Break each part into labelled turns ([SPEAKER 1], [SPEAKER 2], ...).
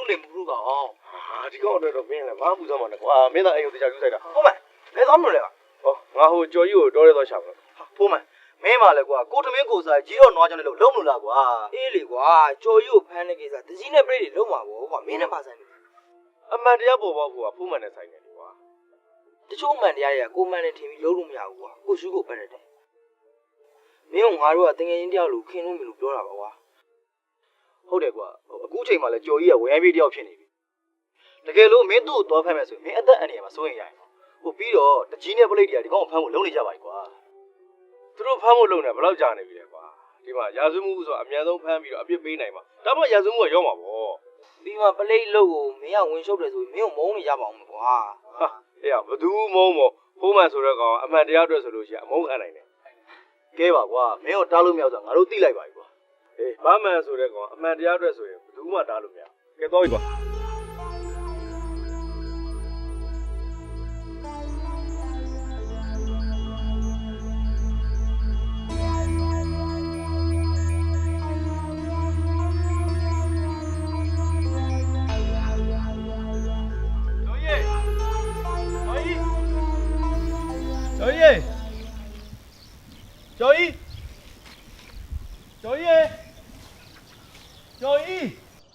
[SPEAKER 1] နေမှုလို့ကောင်
[SPEAKER 2] ဒီကောင်တော့မင်းလည်းဘာမှမဆောင်ပါနဲ့ကွာမင်းသားအိမ်ကိုတရားယူဆိုင်တာ
[SPEAKER 1] ဖိုးမန်ဘယ်သွားမလို့လဲကွာ
[SPEAKER 2] ဟောငါဟိုကြော်ကြီးကိုတော်ရဲတော့ရှာပါ
[SPEAKER 1] ဖိုးမန်မင်းပါလေကွာကိုထမင်းကိုစားကြီးတော့နွားကြောင်လည်းလုံးမလို့လားကွာအေးလေကွာကြော်ကြီးကိုဖမ်းတဲ့ကိစ္စတကြီးနဲ့ပြိတွေလုံးမှာပေါ့ကွာမင်းနဲ့ပါဆိုင်တယ်
[SPEAKER 2] အမှန်တရားပေါ်ပေါက်ဖို့ကဖုံးမှန်နဲ့ဆိုင်တယ်ကွာ
[SPEAKER 1] တချို့မှန်တရားတွေကကိုမှန်နဲ့ထင်ပြီးလုံးလို့မရဘူးကွာကိုရှုကိုပတ်ရတယ်မင်းကငါတို့ကတငယ်ချင်းတယောက်လိုခင်းလို့မလို့ပြောတာပါကွာ
[SPEAKER 2] ဟုတ်တယ်ကွာအခုချိန်မှာလဲကြော်ကြီးကဝယ်ပြေးတယောက်ဖြစ်နေပြီတကယ်လို့မင်းတို့ကိုသွားဖမ်းမယ်ဆိုရင်မင်းအသက်အန္တရာယ်မှာစိုးရင်ရရင်ဟိုပြီးတော့တကြီးနဲ့ပလိတ်တွေကဒီကောင်ကိုဖမ်းဖို့လုံနေကြပါ යි ကွာသူတို့ဖမ်းဖို့လုံနေဘယ်လောက်ကြာနေပြီလဲကွာဒီမှာရာဇဝမှုဆိုအမြန်ဆုံးဖမ်းပြီးတော့အပြစ်ပေးနိုင်မှာဒါမှရာဇဝမှုကရောက်မှာပေါ့
[SPEAKER 1] ပြီးမှပလိတ်လို့ကိုမင်းကဝင်ရှုပ်တယ်ဆိုရင်မင်းကိုမုန်းနေကြပါအောင်ကွာ
[SPEAKER 2] ဟာအေးဘသူမုံမို့ဖုံးမှန်ဆိုတော့ကောင်အမှန်တရားအတွက်ဆိုလို့ရှိရင်အမုန်းခံနိုင်တယ်ကဲပါကွာမင်းကိုတားလို့မရဆိုငါတို့သိလိုက်ပါ යි ကွာအေးဘာမှန်ဆိုတဲ့ကောင်အမှန်တရားအတွက်ဆိုရင်ဘသူမှတားလို့မရကဲတော့ යි ကွာကျော်ကြီးကျော်ကြီးကျော်ကြီး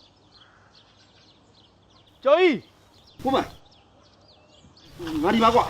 [SPEAKER 2] ကျော်ကြီး
[SPEAKER 3] ဖုံးမငါဒီမှာကွာ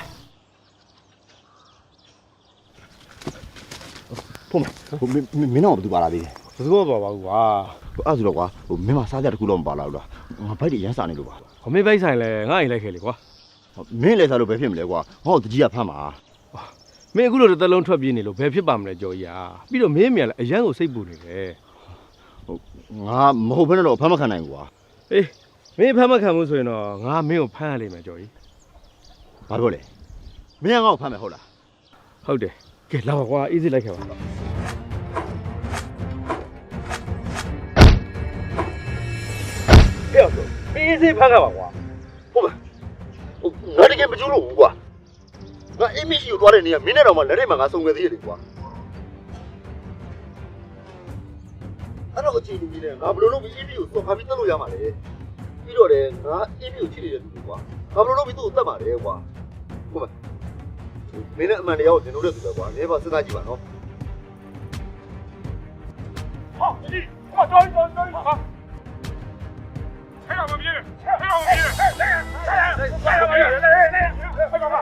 [SPEAKER 3] ဖုံးမမင်းတော့ဘာတူပါလာသေးလဲ
[SPEAKER 2] ဘယ်သူမှမပါဘူးကွာ
[SPEAKER 3] အဲ့ဆိုတော့ကွာမင်းမစားကြတခုတော့မပါလာဘူးလားငါဘိုက်တွေရမ်းစားနေလို့ပါ
[SPEAKER 2] ခမေးဘိုက်ဆိုင်လဲငါ့အိမ်လိုက်ခဲ့လေကွာ
[SPEAKER 3] မင်းလည်းစားလို့ပဲဖြစ်မလဲကွာဟောတကြီးကဖမ်းပါ
[SPEAKER 2] မင်းအခုလိုတစ်သက်လုံးထွက်ပြေးနေလို့ဘယ်ဖြစ်ပါမလဲကျော်ကြီးပြီးတော့မင်းမြန်လဲအရန်ကိုစိတ်ပူနေတယ်
[SPEAKER 3] ငါမဟုတ်ဘဲနဲ့တော့ဖမ်းမခံနိုင်ဘူးကွာ
[SPEAKER 2] အေးမင်းဖမ်းမခံဘူးဆိုရင်တော့ငါမင်းကိုဖမ်းရလိမ့်မယ်ကျော်ကြီး
[SPEAKER 3] ဘာလို့လဲမင်းကငါ့ကိုဖမ်းမယ်ဟုတ်လား
[SPEAKER 2] ဟုတ်တယ်ကဲလာပါကွာအေးစိလိုက်ခဲ့ပါအေးစိဖမ်းခဲ့ပါကွာ
[SPEAKER 3] ဟုတ်ပါငါတကယ်မကျူးလို့ဘူးကွာငါအင်းမရှိကိုသွားတဲ့နေရာမင်းနဲ့တော့မှလက်ထဲမှာငါစုံခဲ့သေးတယ်ကွာအဲ့တော့အချိန်ကြီးနဲ့ငါဘယ်လိုလုပ်ပြီးအင်းမရှိကိုသွားခါပြီးတက်လို့ရမှာလဲပြီးတော့လည်းငါအင်းမရှိကိုချစ်နေတဲ့သူကွာငါဘယ်လိုလုပ်ပြီးသူ့ကိုတတ်မှာလဲကွာဟုတ်ပါမင်းနဲ့အမှန်တရားကိုသင်လို့တဲ့သူပဲကွာနေပါစဉ်းစားကြည့်ပါနော်
[SPEAKER 4] 好，你，我找一找，好。太阳没灭，太阳没灭，太阳没灭，快干嘛？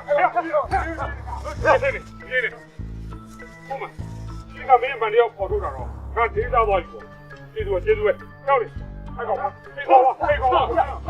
[SPEAKER 4] 别的，我们现在没人把你要跑出场了，看谁家多一个，记住，跳的，太高了，太高了，太高了。